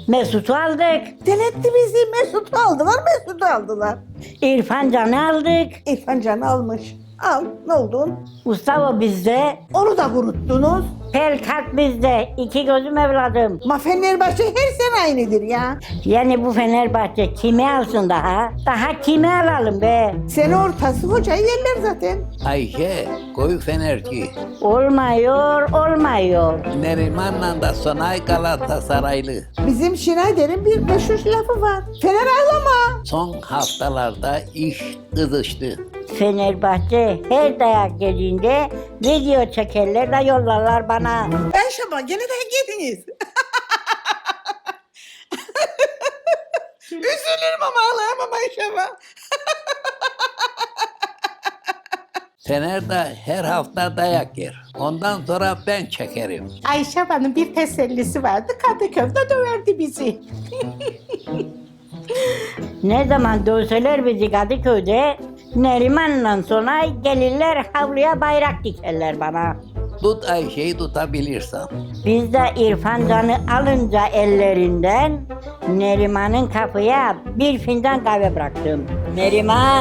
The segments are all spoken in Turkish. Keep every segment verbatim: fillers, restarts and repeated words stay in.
Mesut'u aldık. Deletti bizi. Mesut'u aldılar, Mesut'u aldılar. İrfan Can'ı aldık. İrfan Can'ı almış. Al, ne oldun? Mustafa bizde. Onu da kuruttunuz. Pelkat bizde. İki gözüm evladım. Ma Fenerbahçe her sene aynıdır ya. Yani bu Fenerbahçe kimi alsın daha? Daha kimi alalım be? Sene ortası hocayı yerler zaten. Ayşe, koyu fenerci. Olmuyor, olmuyor. Neriman'la da Sonay Galatasaraylı. Bizim Schneider'in bir meşhur lafı var. Fener ağlama. Son haftalarda iş kızıştı. Fenerbahçe her dayak yediğinde video çekerler de yollarlar bana. Ayşe gene de geldiniz. Üzülürüm ama ağlayamam Ayşe. Fener de her hafta dayak yer. Ondan sonra ben çekerim. Ayşe Hanım bir tesellisi vardı. Kadıköy'de döverdi bizi. Ne zaman dövseler bizi Kadıköy'de, Neriman'la sonra gelirler havluya bayrak dikerler bana. Tut Ayşe'yi tutabilirsen. Biz de İrfan Can'ı alınca ellerinden Neriman'ın kapıya bir fincan kahve bıraktım. Neriman!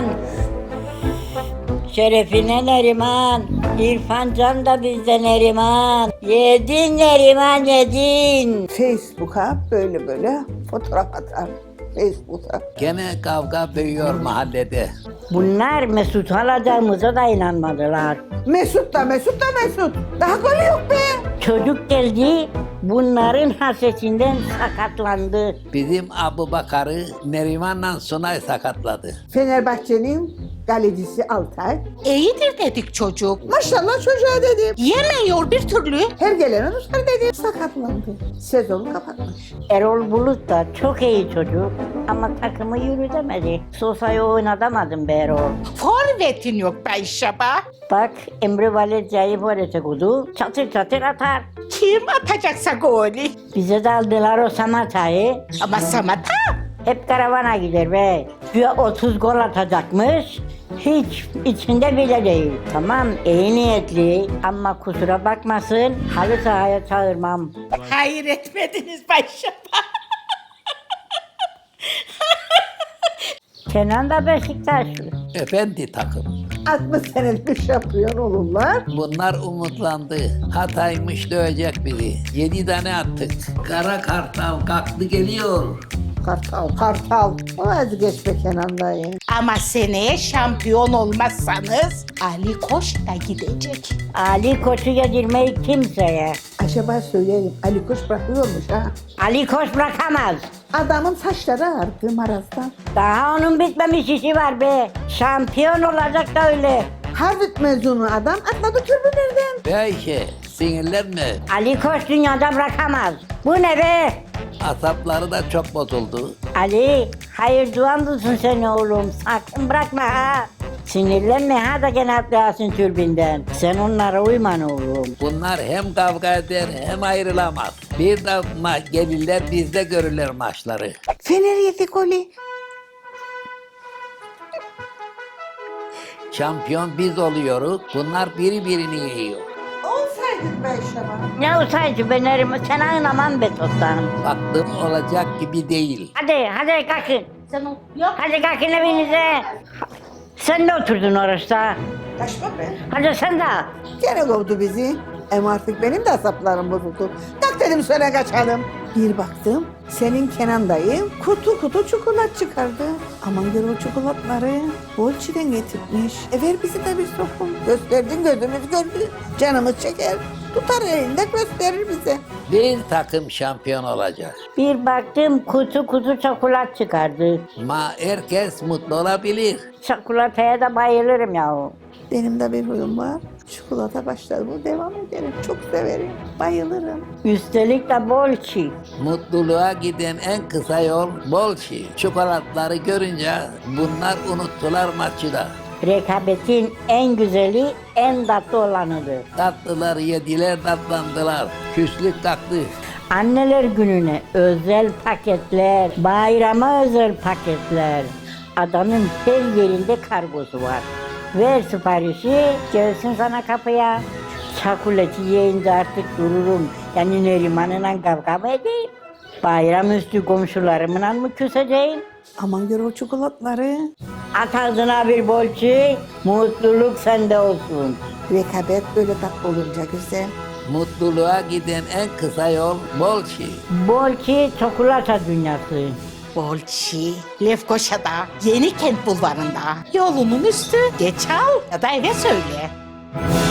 Şerefine Neriman! İrfan Can da bizde Neriman! Yedin Neriman yedin! Facebook'a böyle böyle fotoğraf atar. Facebook'a. Gene kavga büyüyor mahallede. Bunlar Mesut alacağımıza da inanmadılar. Mesut da Mesut da Mesut. Daha golü yok be. Çocuk geldi, bunların hasretinden sakatlandı. Bizim Abu Bakar'ı Neriman'la Sunay sakatladı. Fenerbahçe'nin galecisi Altay. İyidir dedik çocuk. Maşallah çocuğa dedim. Yemiyor bir türlü. Her gelene tutar dedim. Sakatlandı. Sezonu kapatmış. Erol Bulut da çok iyi çocuk ama takımı yürütemedi. Sosa'yı oynatamadım be Erol. Forvetin yok be Ayşe ba. Bak Emre Valencia'yı forvete koydu, çatır çatır atar. Kim atacaksa golü? Bize de aldılar o Samata'yı. Ama Samata. Hep karavana gider be. Güya otuz gol atacakmış. Hiç içinde bile değil. Tamam iyi niyetli ama kusura bakmasın halı sahaya çağırmam. Hayır etmediniz be Ayşe ba. Kenan da Beşiktaşlı. Efendi takım. altmış senelik bir şampiyon olurlar. Bunlar umutlandı. Hataymış dövecek bizi. Yedi tane attık. Kara Kartal kalktı geliyor. Kartal, Kartal. O vazgeç be Kenan dayı. Ama seneye şampiyon olmazsanız Ali Koç da gidecek. Ali Koç'u yedirmeyi kimseye. Acaba söylerim. Ali Koç bırakıyormuş ha. Ali Koç bırakamaz. Adamın saçları ağardı marazdan. Daha onun bitmemiş işi var be. Şampiyon olacak da öyle. Harvard mezunu adam atladı türbülerden. Be Ayşe sinirlenme. Ali Koç dünyada bırakamaz. Bu ne be? Asapları da çok bozuldu. Ali, hayır duan bulsun seni oğlum. Sakın bırakma ha. Sinirlenme ha da gene atlayasın türbinden. Sen onlara uyman oğlum. Bunlar hem kavga eder hem ayrılamaz. Bir de ma- gelirler bizde görürler maçları. Fener yedi golü. Şampiyon biz oluyoruz. Bunlar biri birini yiyor. Olsaydık be Şaban. Ne olsaydı ben erim, sen anlamam be toptanım. Baktım olacak gibi değil. Hadi, hadi kalkın. Sen o... Yok. Hadi kalkın evinize. Sen de oturdun orada. Kaçma be. Hadi sen de. Gene kovdu bizi. Ama artık benim de asaplarım bozuldu. Tak dedim söyle kaçalım. Bir baktım senin Kenan dayı kutu kutu çikolat çıkardı. Aman gör o çikolatları Bolçi'den getirmiş. E ver bizi de bir sokum. Gösterdin gözümüz gördü. Canımız çeker. Tutar elinde gösterir bize. Bir takım şampiyon olacak. Bir baktım kutu kutu çikolat çıkardı. Ma herkes mutlu olabilir. Çikolataya da bayılırım yahu. Benim de bir huyum var. Çikolata başlar bu devam ederim. Çok severim. Bayılırım. Üstelik de bol çiğ. Mutluluğa giden en kısa yol bol şey. Çikolatları görünce bunlar unuttular maçı da. Rekabetin en güzeli, en tatlı olanıdır. Tatlılar yediler, tatlandılar. Küslük kalktı. Anneler gününe özel paketler, bayrama özel paketler. Adanın her yerinde kargosu var. Ver siparişi, gelsin sana kapıya. Çakuleti yiyince artık dururum. Yani Neriman'la kavga mı edeyim? Bayramüstü komşularımla mı küseceğim? Aman gör o çikolatları. At ağzına bir bolçi, mutluluk sende olsun. Rekabet böyle tatlı olunca güzel. Mutluluğa giden en kısa yol bol şey. Bolçi çikolata dünyası. Bolçi, Lefkoşa'da, Yenikent bulvarında. Yolunun üstü. Geç al ya da eve söyle.